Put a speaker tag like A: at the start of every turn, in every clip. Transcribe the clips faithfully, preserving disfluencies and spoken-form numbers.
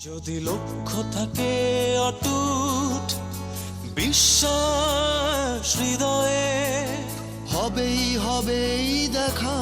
A: যদি লক্ষ্য থাকে অটুট বিশ্বাস হৃদয়ে,
B: হবেই হবেই দেখা,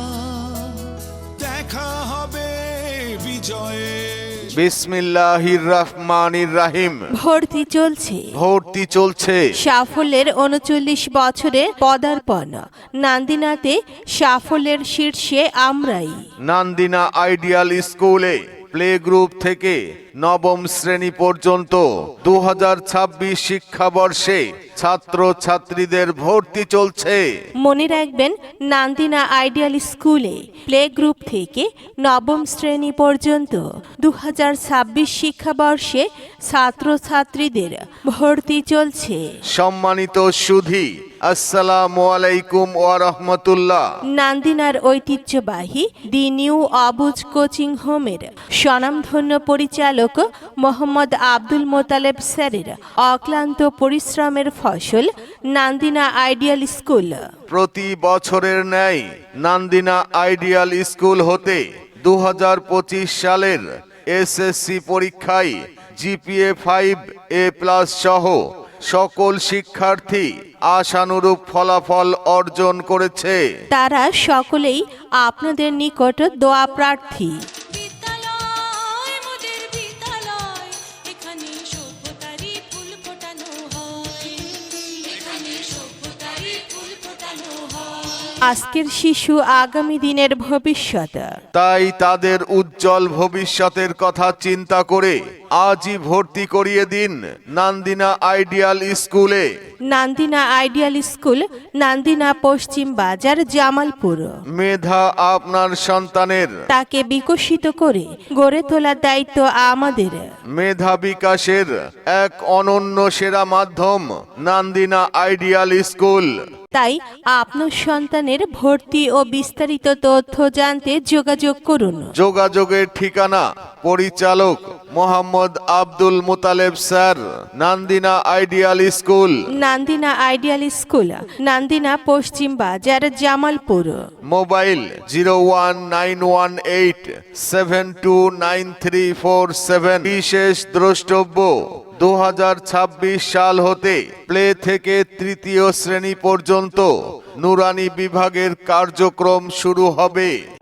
A: দেখা হবে বিজয়ে।
C: বিসমিল্লাহির রহমানির রহিম।
D: ভর্তি চলছে
C: ভর্তি চলছে
D: সাফল্যের উনচল্লিশ বছরে পদার্পণ। নান্দিনাতে সাফল্যের শীর্ষে আমরাই।
C: নান্দিনা আইডিয়াল স্কুলে প্লে গ্রুপ থেকে নবম শ্রেণী পর্যন্ত দু হাজার ছাব্বিশ শিক্ষাবর্ষে ছাত্র ছাত্রীদের ভর্তি চলছে।
D: মনে রাখবেন, নান্দিনা আইডিয়াল স্কুলে প্লে গ্রুপ থেকে নবম শ্রেণী পর্যন্ত দু হাজার ছাব্বিশ শিক্ষাবর্ষে ছাত্রছাত্রীদের ভর্তি চলছে।
C: সম্মানিত সুধী, আসসালামু আলাইকুম ওয়া রাহমাতুল্লাহ।
D: নান্দিনার ঐতিহ্যবাহী দি নিউ অবুজ কোচিং হোমের স্বনামধন্য পরিচালক মোহাম্মদ আব্দুল মোতালেব স্যারের অক্লান্ত পরিশ্রমের ফসল নান্দিনা আইডিয়াল স্কুল।
C: প্রতি বছরের ন্যায় নান্দিনা আইডিয়াল স্কুল হতে দু হাজার পঁচিশ সালের এসএসসি পরীক্ষায় জিপিএ ফাইভ এ প্লাস সহ সকল শিক্ষার্থী আশানুরূপ ফলাফল অর্জন করেছে।
D: তারা সকলেই আপনাদের নিকট দোয়া প্রার্থী।
E: বিদ্যালয় মোদের বিদ্যালয়, এখানে সভ্যতারই ফুল ফোটানো হয়, এখানে সভ্যতারই ফুল ফোটানো হয়।
D: আজকের শিশু আগামী দিনের ভবিষ্যৎ।
C: তাই তাদের উজ্জ্বল ভবিষ্যতের কথা চিন্তা করে আজই ভর্তি করিয়ে দিন নান্দিনা আইডিয়াল স্কুলে।
D: Nandina ideal school, Nandina Paschim Bazar, Jamalpur.
C: মেধা আপনার সন্তানের,
D: তাকে বিকশিত করে গড়ে তোলার দায়িত্ব আমাদের।
C: মেধা বিকাশের এক অনন্য সেরা মাধ্যম নান্দিনা আইডিয়াল স্কুল।
D: তাই আপনার সন্তানের ভর্তি ও বিস্তারিত তথ্য জানতে যোগাযোগ করুন।
C: যোগাযোগের ঠিকানা পরিচালক Mohammad Abdul Motaleb sir, Nandina ideal school,
D: Nandina ideal school, Nandina Paschim Bazar, Jamalpur.
C: Mobile zero one nine one eight seven two nine three four seven. বিশেষ দ্রষ্টব্য, দু হাজার ছাব্বিশ সাল হতে প্লে থেকে তৃতীয় শ্রেণী পর্যন্ত নুরানি বিভাগের কার্যক্রম শুরু হবে।